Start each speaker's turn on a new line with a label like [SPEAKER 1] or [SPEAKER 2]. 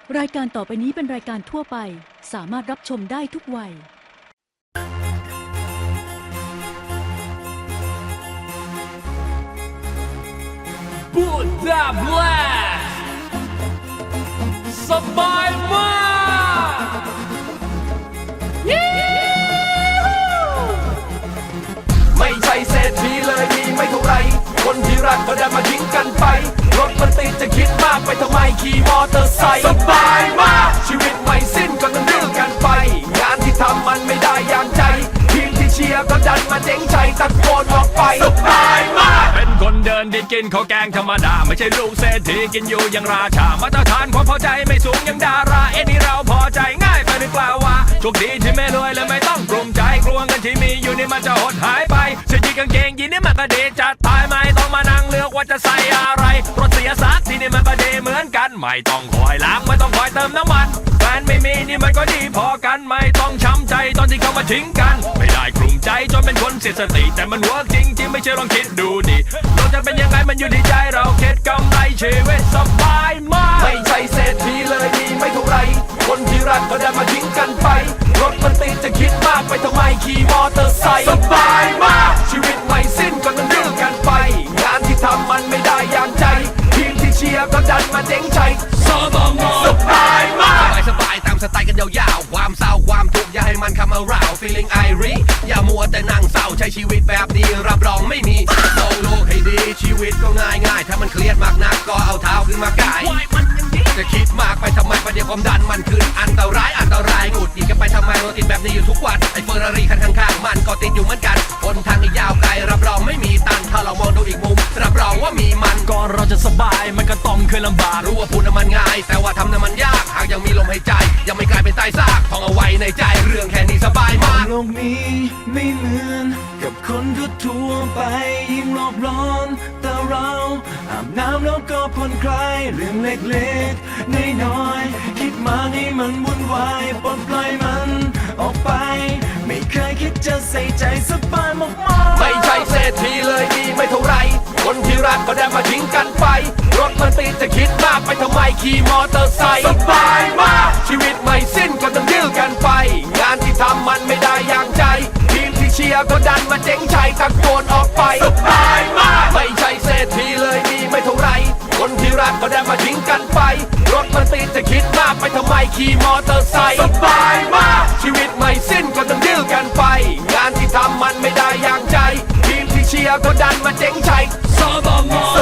[SPEAKER 1] รายการต่อไปนี้เป็นรายการทั่วไปสามารถรับชมได้ทุกวัย
[SPEAKER 2] บูดาแบล็คสบายมากไม่ใช่เศรษฐีเลยมีไม่เท่าไรคนที่รักก็ได้มาทิ้งกันไปรถมันติดจะคิดมากไปทำไมขี่มอเตอร์ไซค์สบายมากชีวิตไม่สิ้นก็ต้องดื้อกันไปงานที่ทำมันไม่ได้อย่างใจทีมที่เชียร์ก็ดันมาเจ๊งใจตะโกนออกไปสบายมากเป็นคนเดินดินกินข้าวแกงธรรมดาไม่ใช่ลูกเศรษฐีกินอยู่อย่างราชามาตรฐานความพอใจไม่สูงอย่างดารานี่เราพอใจง่ายไปหรือเปล่าวะโชคดีที่ไม่รวยและไม่ต้องกลุ้มใจกลัวเงินที่มีอยู่นี่มันจะหดหายไปเสื้อยีนกางเกงยีนนี่มันก็ดีจะตายไม่ต้องมานั่งเลือกว่าจะใส่อะไรรถเสียสักทีนี่มันก็ดีเหมือนกันไม่ต้องคอยล้างไม่ต้องคอยเติมน้ำมันแฟนไม่มีนี่มันก็ดีพอกันไม่ต้องช้ำใจตอนที่เขามาทิ้งกันไม่ได้กลุ่มใจจนเป็นคนเสียสติแต่มันเวิร์กจริงๆไม่เชื่อลองคิดดูดิเราจะเป็นยังไงมันอยู่ที่ใจเราเข็ดกำไรชีวิตสบายมากไม่ใช่เศรษฐีเลยมีไม่เท่าไรคนที่รักก็ได้มาทิ้งกันไปรถมันติดจะคิดมากไปทำไมขี่มอเตอร์ไซค์สบายมากชีวิตไม่สิ้นก็ต้องดื้อกันไปงานที่ทำมันไม่ได้อย่างใจทีมที่เชียร์ก็ดันมาเจ๊งใจสบายมาก
[SPEAKER 3] สบายตามสไตล์กันยาวๆความเศร้าความทุกข์อย่าให้มันคำาราว feeling irie อย่ามัวแต่นั่งเศร้าใช้ชีวิตแบบนี้รับรองไม่มีมองโลกให้ดีชีวิตก็ง่ายๆถ้ามันเครียดมากนักก็เอาเท้าขึ้นมากายจะคิดมากไปทำไมประเดี๋ยวความดันมันขึ้นอันตรายหงุดหงิดกันไปทำไมเราติดแบบนี้อยู่ทุกวันไอ้เฟอร์รารี่คันข้างๆมันก็ติดอยู่เหมือนกันบนทางอีกยาวไกลรับรองไม่มีตันถ้าเรามองดูอีกมุมรับรองว่ามีมัน
[SPEAKER 2] ก่อนเราจะสบายมันก็ต้องเคยลำบาก
[SPEAKER 3] รู้ว่าพูดน่ะมันง่ายแต่ว่าทำน่ะมันยากหากยังมีลมหายใจยังไม่กลายเป็นใต้ซากท่องเอาไว้ในใจเรื่องแค่นี้สบายมาก
[SPEAKER 4] โลกนี้ไม่เหมือนกับคนทั่วไปยิ่งโลกร้อนแต่เราอาบน้ำแล้วก็ผ่อนคลายเรื่องเล็กๆน้อยๆคิดมากให้มันวุ่นวายปลดปล่อยมันออกไปไม่เคยคิดจะใส่ใจสบายมากๆ
[SPEAKER 2] ไม่ใช่เศรษฐีเลยมีไม่เท่าไรคนที่รักก็ได้มาทิ้งกันไปรถมันติดจะคิดมากไปทำไมขี่มอเตอร์ไซค์สบายมากชีวิตไม่สิ้นก็ต้องดื้อกันไปงานที่ทำมันไม่ได้อย่างใจทีมที่เชียร์ก็ดันมาเจ๊งชัยตะโกนออกไปสบายมากไม่ใช่เศรษฐีเลยมีไม่เท่าไรคนที่รักก็ได้มาทิ้งกันไปรถมันติดจะคิดมากไปทำไมขี่มอเตอร์ไซค์สบายมากชีวิตไม่สิ้นก็ต้องดื้อกันไปงานที่ทำมันไม่ได้อย่างใจทีมที่เชียร์ก็ดันมาเจ๊งชัยส